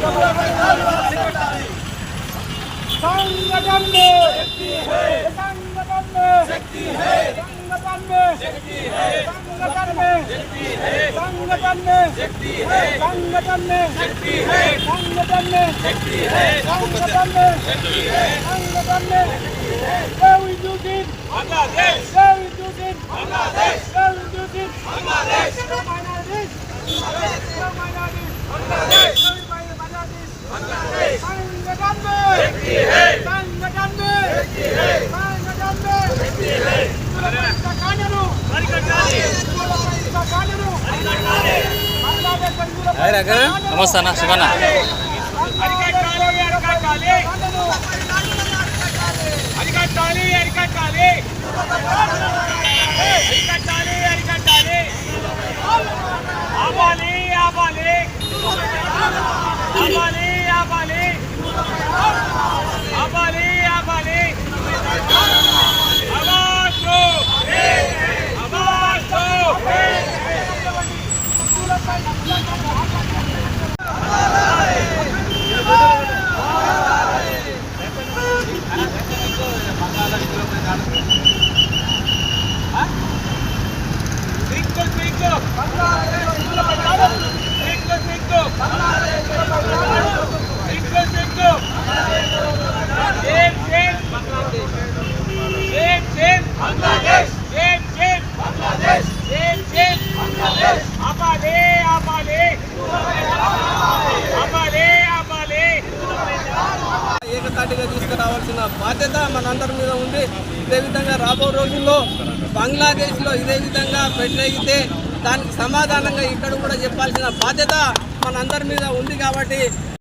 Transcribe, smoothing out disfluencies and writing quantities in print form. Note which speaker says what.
Speaker 1: संगठन में शक्ति है, संगठन में शक्ति है, संगठन में शक्ति है, संगठन में शक्ति है, संगठन में शक्ति है, संगठन में शक्ति है, संगठन में शक्ति है, संगठन में शक्ति है, संगठन में शक्ति है। Where we do it, Bangladesh. Where we do it, Bangladesh. Where we do it, Bangladesh. No minorities, Bangladesh. No minorities, Bangladesh. No minorities, Bangladesh. संगठन में शक्ति है, संगठन में शक्ति है, संगठन में शक्ति है। कानून हरिकटाली, कानून हरिकटाली।
Speaker 2: नमस्ते ना Shivna
Speaker 1: हरिकटाली, हरिकटाली, हरिकटाली, हरिकटाली, हरिकटाली, हरिकटाली। आबाली, आबाली, आबाली, आबाली, आबाली, आबाली। आवाज़ो, आवाज़ो। Twinkle, twinkle, twinkle, twinkle, twinkle, twinkle. Jane, Bangladesh. Jane, Bangladesh. Jane, Bangladesh. Abale, abale, abale, abale.
Speaker 3: ఏకతాటిగా తీసుకురావాల్సిన బాధ్యత మనందరి మీద ఉంది. ఇదే విధంగా రాబో రోజుల్లో బంగ్లాదేశ్లో ఇదే విధంగా పెట్టితే దానికి సమాధానంగా ఇక్కడ కూడా చెప్పాల్సిన బాధ్యత మనందరి మీద ఉంది. కాబట్టి